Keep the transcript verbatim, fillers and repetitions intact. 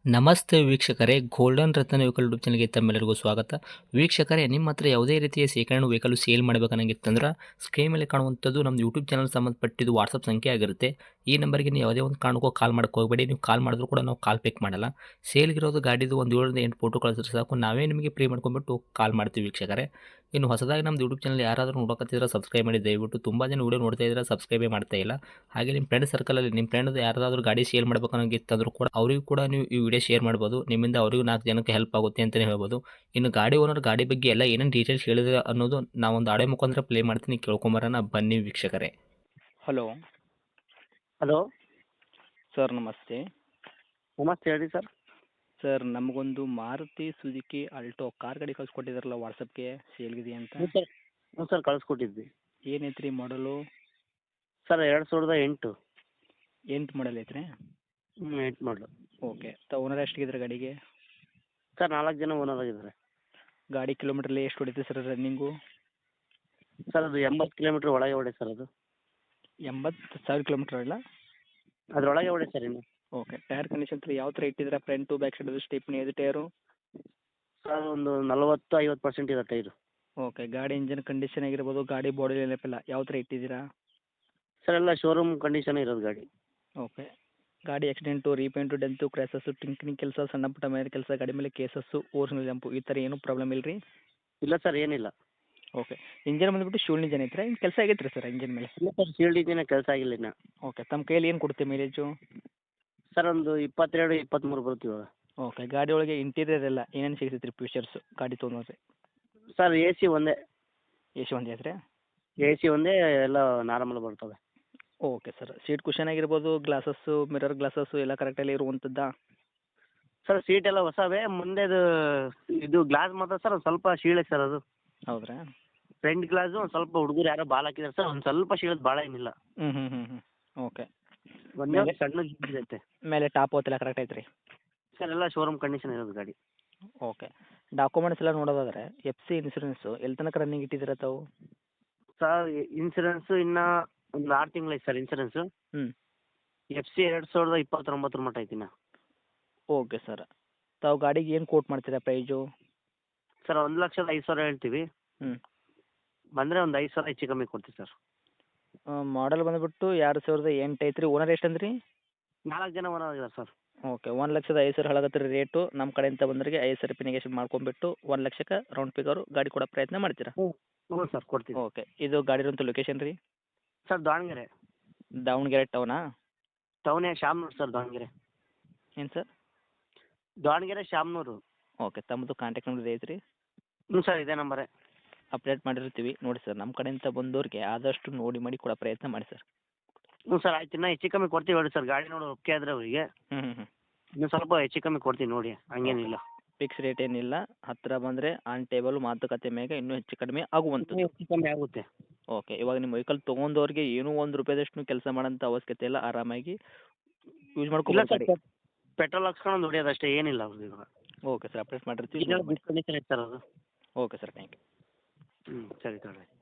ನಮಸ್ತೆ ವೀಕ್ಷಕರೇ, ಗೋಲ್ಡನ್ ರತ್ನ vehicle YouTube ಚಾನಲ್ಗೆ ತಮ್ಮೆಲ್ಲರಿಗೂ ಸ್ವಾಗತ. ವೀಕ್ಷಕರೇ, ನಿಮ್ಮ ಹತ್ರ ಯಾವುದೇ ರೀತಿಯ ಶೇಖರಣೆ ವೆಹಿಕಲ್ ಸೇಲ್ ಮಾಡಬೇಕನ್ನಂಗಿತ್ತಂದ್ರೆ ಸ್ಕ್ರೀನ್ ಮೇಲೆ ಕಾಣುವಂಥದ್ದು ನಮ್ಮ ಯೂಟ್ಯೂಬ್ ಚಾನಲ್ ಸಂಬಂಧಪಟ್ಟಿದ್ದು ವಾಟ್ಸಪ್ ಸಂಖ್ಯೆ ಆಗಿರುತ್ತೆ. ಈ ನಂಬರ್ಗೆ ನೀವು ಯಾವುದೇ ಒಂದು ಕಾರಣಕ್ಕೂ ಕಾಲ್ ಮಾಡಕ್ಕೆ ಹೋಗಬೇಡಿ. ನೀವು ಕಾಲ್ ಮಾಡಿದ್ರು ಕೂಡ ನಾವು ಕಾಲ್ ಪಿಕ್ ಮಾಡಲ್ಲ. ಸೇಲ್ಗಿರೋದು ಗಾಡಿದು ಒಂದು ಏಳರಿಂದ ಎಂಟು ಫೋಟೋ ಕಳಿಸಿದ್ರೆ ಸಾಕು, ನಾವೇ ನಿಮಗೆ ಪ್ರೀ ಮಾಡ್ಕೊಂಡ್ಬಿಟ್ಟು ಕಾಲ್ ಮಾಡ್ತೀವಿ ವೀಕ್ಷಕರೇ. ಇನ್ನು ಹೊಸದಾಗಿ ನಮ್ಮದು ಯೂಟ್ಯೂಬ್ ಚಾನಲ್ ಯಾರಾದರೂ ನೋಡೋಕತ್ತಿದ್ರೆ ಸಬ್ಸ್ಕ್ರೈಬ್ ಮಾಡಿ ದಯವಿಟ್ಟು. ತುಂಬ ಜನ ವೀಡಿಯೋ ನೋಡ್ತಾ ಇದ್ದಾರೆ, ಸಬ್ಸ್ಕ್ರೈಬೇ ಮಾಡ್ತಾ ಇಲ್ಲ. ಹಾಗೆ ನಿಮ್ಮ ಫ್ರೆಂಡ್ ಸರ್ಕಲಲ್ಲಿ ನಿಮ್ಮ ಫ್ರೆಂಡ್ ಯಾರಾದರೂ ಗಾಡಿ ಸೇಲ್ ಮಾಡಬೇಕನ್ನೋಂಗಿತ್ತಂದ್ರೂ ಕೂಡ ಅವರಿಗೂ ಕೂಡ ನೀವು ಈ ವಿಡಿಯೋ ಶೇರ್ ಮಾಡ್ಬೋದು. ನಿಮ್ಮಿಂದ ಅವರಿಗೂ ನಾಲ್ಕು ಜನಕ್ಕೆ ಹೆಲ್ಪ್ ಆಗುತ್ತೆ ಅಂತಲೇ ಹೇಳ್ಬೋದು. ಇನ್ನು ಗಾಡಿ ಓನರ್ ಗಾಡಿ ಬಗ್ಗೆ ಎಲ್ಲ ಏನೇನು ಡೀಟೇಲ್ಸ್ ಹೇಳಿದ್ರೆ ಅನ್ನೋದು ನಾವೊಂದು ಆಡೆ ಮುಖಾಂತರ ಪ್ಲೇ ಮಾಡ್ತೀನಿ, ಕೇಳ್ಕೊಂಬರೋಣ ಬನ್ನಿ ವೀಕ್ಷಕರೇ. ಹಲೋ ಹಲೋ ಸರ್, ನಮಸ್ತೆ. ನಮಸ್ತೆ, ಹೇಳಿ ಸರ್. ಸರ್, ನಮಗೊಂದು ಮಾರುತಿ ಸುಜುಕಿ ಆಲ್ಟೋ ಕಾರ್ ಗಾಡಿ ಕಳಿಸ್ಕೊಟ್ಟಿದ್ರಲ್ಲ ವಾಟ್ಸಪ್ಗೆ, ಸೇಲ್ಗಿದೆಯಾ ಅಂತ. ಹ್ಞೂ ಸರ್ ಹ್ಞೂ ಸರ್ ಕಳಿಸ್ಕೊಟ್ಟಿದ್ವಿ. ಏನೈತ್ರಿ ಮಾಡಲು? ಸರ್ ಎರಡು ಸಾವಿರದ ಎಂಟು ಎಂಟು ಮಾಡಲ್ ಐತ್ರಿ. ಹ್ಞೂ ಎಂಟು ಮಾಡಲು. ಓಕೆ. ತ ಓನರ್ ಎಷ್ಟಿಗಿದ್ರೆ ಗಾಡಿಗೆ? ಸರ್ ನಾಲ್ಕು ಜನ ಓನರ್ ಆಗಿದ್ದಾರೆ. ಗಾಡಿ ಕಿಲೋಮೀಟ್ರಲ್ಲಿ ಎಷ್ಟು ಹೊಡಿತೆ ಸರ್ ರನ್ನಿಂಗು? ಸರ್ ಅದು ಎಂಬತ್ತು ಕಿಲೋಮೀಟ್ರ್ ಒಳಗೆ ಹೊಡೆ ಸರ್. ಅದು ಎಂಬತ್ತು ಸಾವಿರ ಕಿಲೋಮೀಟ್ರ್ ಇಲ್ಲ? ಅದರೊಳಗೆ ಹೊಡೆ ಸರ್. ಇನ್ನು ಓಕೆ. ಟೈರ್ ಕಂಡೀಷನ್ ಯಾವ ಥರ ಇಟ್ಟಿದ್ರೆ? ಫ್ರಂಟು ಬ್ಯಾಕ್ ಸೈಡ್ ಸ್ಟೆಪ್ನಿ ಇದು ಟೈರು? ಸರ್ ಒಂದು ನಲ್ವತ್ತು ಐವತ್ತು ಪರ್ಸೆಂಟ್ ಇದೆ ಟೈರು. ಓಕೆ. ಗಾಡಿ ಇಂಜನ್ ಕಂಡೀಷನ್ ಆಗಿರ್ಬೋದು, ಗಾಡಿ ಬಾಡಿ ನೆನಪಿಲ್ಲ ಯಾವ ಥರ ಇಟ್ಟಿದ್ದೀರಾ? ಸರ್ ಎಲ್ಲ ಶೋರೂಮ್ ಕಂಡೀಷನ್ ಇರೋದು ಗಾಡಿ. ಓಕೆ. ಗಾಡಿ ಆಕ್ಸಿಡೆಂಟು, ರೀಪೇಂಟು, ಡೆಂತು, ಕ್ರ್ಯಾಸಸ್ಸು, ಟಿಂಕ್ನಿಂಗ್ ಕೆಲಸ, ಸಣ್ಣ ಪುಟ್ಟ ಮೇಲೆ ಕೆಲಸ, ಗಾಡಿ ಮೇಲೆ ಕೇಸಸ್ಸು, ಓರಿಜಿನಲ್ ಜಂಪು ಈ ಥರ ಏನೂ ಪ್ರಾಬ್ಲಮ್ ಇಲ್ಲ ರೀ? ಇಲ್ಲ ಸರ್, ಏನಿಲ್ಲ. ಓಕೆ. ಇಂಜನ್ ಬಂದುಬಿಟ್ಟು ಶೂಲ್ ಇಂಜನ್ ಐತ್ರಿ, ಇನ್ನು ಕೆಲಸ ಆಗೈತೆ ರೀ ಸರ್ ಇಂಜನ್ ಮೇಲೆ? ಇಲ್ಲ ಸರ್, ಶೀಲ್ಡ್ ಇಂಜಿನ್ ಕೆಲಸ ಆಗಿಲ್ಲ ಇನ್ನು. ಓಕೆ. ತಮ್ಮ ಕೈಯಲ್ಲಿ ಏನು ಕೊಡುತ್ತೆ ಮೈಲೇಜು? ಸರ್ ಒಂದು ಇಪ್ಪತ್ತೆರಡು ಇಪ್ಪತ್ತ್ಮೂರು ಬರುತ್ತೆ ಇವಾಗ. ಓಕೆ. ಗಾಡಿ ಒಳಗೆ ಇಂಟೀರಿಯರ್ ಎಲ್ಲ ಏನೇನು ಸಿಗ್ತೈತೆ ರೀ ಫೀಚರ್ಸು ಗಾಡಿ ತೊಗೊಂಡ್ರೆ? ಸರ್ ಎ ಸಿ ಒಂದೇ. ಎ ಸಿ ಒಂದೇ ಐತ್ರಿ? ಎ ಸಿ ಒಂದೇ, ಎಲ್ಲ ನಾರ್ಮಲ್ ಬರ್ತವೆ. Okay sir. ಸೀಟ್ ಕುಷನ್ ಆಗಿರ್ಬೋದು, ಗ್ಲಾಸಸ್ಸು, ಮಿರರ್ ಗ್ಲಾಸಸ್ಸು ಎಲ್ಲ ಕರೆಕ್ಟಲ್ಲಿ ಇರುವಂಥದ್ದಾ? ಸರ್ ಸೀಟ್ ಎಲ್ಲ ಹೊಸವೇ. ಮುಂದೆದು ಇದು ಗ್ಲಾಸ್ ಮಾತ್ರ ಸರ್ ಒಂದು ಸ್ವಲ್ಪ ಶೀಳೆ ಸರ್. ಅದು ಹೌದ್ರಾ? ಫ್ರಂಟ್ ಗ್ಲಾಸು ಒಂದು ಸ್ವಲ್ಪ ಹುಡುಗರು ಯಾರೋ ಬಾಲ್ ಹಾಕಿದ್ದಾರೆ ಸರ್, ಒಂದು ಸ್ವಲ್ಪ ಶೀಳದ್ ಭಾಳ ಏನಿಲ್ಲ. ಹ್ಞೂ ಹ್ಞೂ ಹ್ಞೂ ಹ್ಞೂ ಓಕೆ. ಒಂದೇ ಮೇಲೆ- ಸಣ್ಣ ಐತೆ ಮೇಲೆ ಟಾಪ್ ಹೊತ್ತೆಲ್ಲ ಕರೆಕ್ಟ್ ಐತ್ರಿ? ಸರ್, ಎಲ್ಲ ಶೋರೂಮ್ ಕಂಡೀಷನ್ ಇರೋದು ಗಾಡಿ. ಓಕೆ. ಡಾಕ್ಯುಮೆಂಟ್ಸ್ ಎಲ್ಲ ನೋಡೋದಾದ್ರೆ ಎಫ್ ಸಿ ಇನ್ಸೂರೆನ್ಸು ಎಲ್ಲಿ ತನಕ ರನ್ನಿಂಗ್ ಇಟ್ಟಿದ್ದೀರ ತಾವು? ಸರ್ ಇನ್ಸೂರೆನ್ಸು ಇನ್ನೂ ಒಂದು ಆರು ತಿಂಗಳು ಐತೆ ಸರ್ ಇನ್ಸೂರೆನ್ಸು. ಹ್ಞೂ. ಎಫ್ ಸಿ ಎರಡು ಸಾವಿರದ ಇಪ್ಪತ್ತೊಂಬತ್ತರ ಮಟ್ಟ ಐತಿ ಇನ್ನು. Okay sir. ತಾವು ಗಾಡಿಗೆ ಏನು ಕೋಟ್ ಮಾಡ್ತೀರಾ ಪ್ರೈಜು? ಸರ್ ಒಂದು ಲಕ್ಷದ ಐದು ಸಾವಿರ ಹೇಳ್ತೀವಿ. ಹ್ಞೂ. ಬಂದರೆ ಒಂದು ಐದು ಸಾವಿರ ಹೆಚ್ಚು ಕಮ್ಮಿ ಕೊಡ್ತೀವಿ ಸರ್. ಮಾಡಲ್ ಬಂದುಬಿಟ್ಟು ಎರಡು ಸಾವಿರದ ಎಂಟು ಐತ್ರಿ. ಓನರ್ ಎಷ್ಟು ಅಂದ್ರಿ? ನಾಲ್ಕು ಜನ ಓನರ್ ಆಗಿದ್ದಾರೆ ಸರ್. ಓಕೆ. ಒಂದು ಲಕ್ಷದ ಐದು ಸಾವಿರ ಹೇಳಕತ್ತೀರಿ ರೇಟು. ನಮ್ಮ ಕಡೆಯಿಂದ ಬಂದವರಿಗೆ ಐದು ಸಾವಿರ ರೂಪಾಯಿ ನೆಗೆಷನ್ ಮಾಡ್ಕೊಂಬಿಟ್ಟು ಒಂದು ಲಕ್ಷಕ್ಕೆ ರೌಂಡ್ ಫಿಗರು ಗಾಡಿ ಕೊಡೋ ಪ್ರಯತ್ನ ಮಾಡ್ತೀರಾ? ಹ್ಞೂ ಹ್ಞೂ ಸರ್, ಕೊಡ್ತೀವಿ. ಓಕೆ. ಇದು ಗಾಡಿರೋಂಥ ಲೊಕೇಶನ್ ರೀ? ಸರ್ ದಾವಣಗೆರೆ. ದಾವಣಗೆರೆ ಟೌನಾ? ಟೌನೇ ಶಾಮನೂರು ಸರ್, ದಾವಣಗೆರೆ. ಏನು ಸರ್? ದಾವಣಗೆರೆ ಶಾಮನೂರು. ಓಕೆ. ತಮ್ಮದು ಕಾಂಟ್ಯಾಕ್ಟ್ ನಂಬರ್ ಐತ್ರಿ? ಹ್ಞೂ ಸರ್, ಇದೇ ನಂಬರೇ. ಅಪ್ಡೇಟ್ ಮಾಡಿರ್ತೀವಿ ನೋಡಿ ಸರ್. ನಮ್ಮ ಕಡೆಯಿಂದ ಬಂದವ್ರಿಗೆ ಆದಷ್ಟು ನೋಡಿ ಮಾಡಿ ಕೊಡೋ ಪ್ರಯತ್ನ ಮಾಡಿ ಸರ್. ಹ್ಞೂ ಸರ್, ಆಯ್ತು. ಇನ್ನೂ ಹೆಚ್ಚು ಕಮ್ಮಿ ಕೊಡ್ತೀವಿ ಹೇಳಿ ಸರ್. ಗಾಡಿ ನೋಡಿ ಒಪ್ಪಿಗೆ ಆದರೆ ಅವರಿಗೆ ಹ್ಞೂ ಹ್ಞೂ ಹ್ಞೂ ಇನ್ನೂ ಸ್ವಲ್ಪ ಹೆಚ್ಚು ಕಮ್ಮಿ ಕೊಡ್ತೀವಿ ನೋಡಿ, ಹಂಗೇನಿಲ್ಲ. ಫಿಕ್ಸ್ ರೇಟ್ ಏನಿಲ್ಲ. ಹತ್ತಿರ ಬಂದರೆ ಆನ್ ಟೇಬಲ್ ಮಾತುಕತೆ ಮೇಲೆ ಇನ್ನೂ ಹೆಚ್ಚು ಕಡಿಮೆ ಆಗುವಂಥದ್ದು. ಹೆಚ್ಚು ಕಮ್ಮಿ ಆಗುತ್ತೆ. ಓಕೆ. ಇವಾಗ ನಿಮ್ಮ ವೆಹಿಕಲ್ ತೊಗೊಂಡವ್ರಿಗೆ ಏನೂ ಒಂದು ರೂಪಾಯಿದಷ್ಟು ಕೆಲಸ ಮಾಡೋಂಥ ಅವಶ್ಯಕತೆ ಇಲ್ಲ. ಆರಾಮಾಗಿ ಯೂಸ್ ಇಲ್ಲ ಮಾಡ್ಕೊಬೋದು ಸರ್, ಗಾಡಿ. ಪೆಟ್ರೋಲ್ ಹಾಕ್ಸ್ಕೊಂಡು ಹೊಡಿಯೋದು ಅಷ್ಟೇ, ಏನಿಲ್ಲ ಅವ್ರದ್ದು ಇವಾಗ. Okay sir. ಅಪ್ಡೇಟ್ ಮಾಡಿರ್ತೀವಿ. ಇದೆಲ್ಲ ಗುಡ್ ಕಂಡೀಷನ್ ಐತೆ ಸರ್ ಅದು. Okay sir, thank you. ಹ್ಞೂ ಸರಿ ತಗೊಳ್ಳಿ.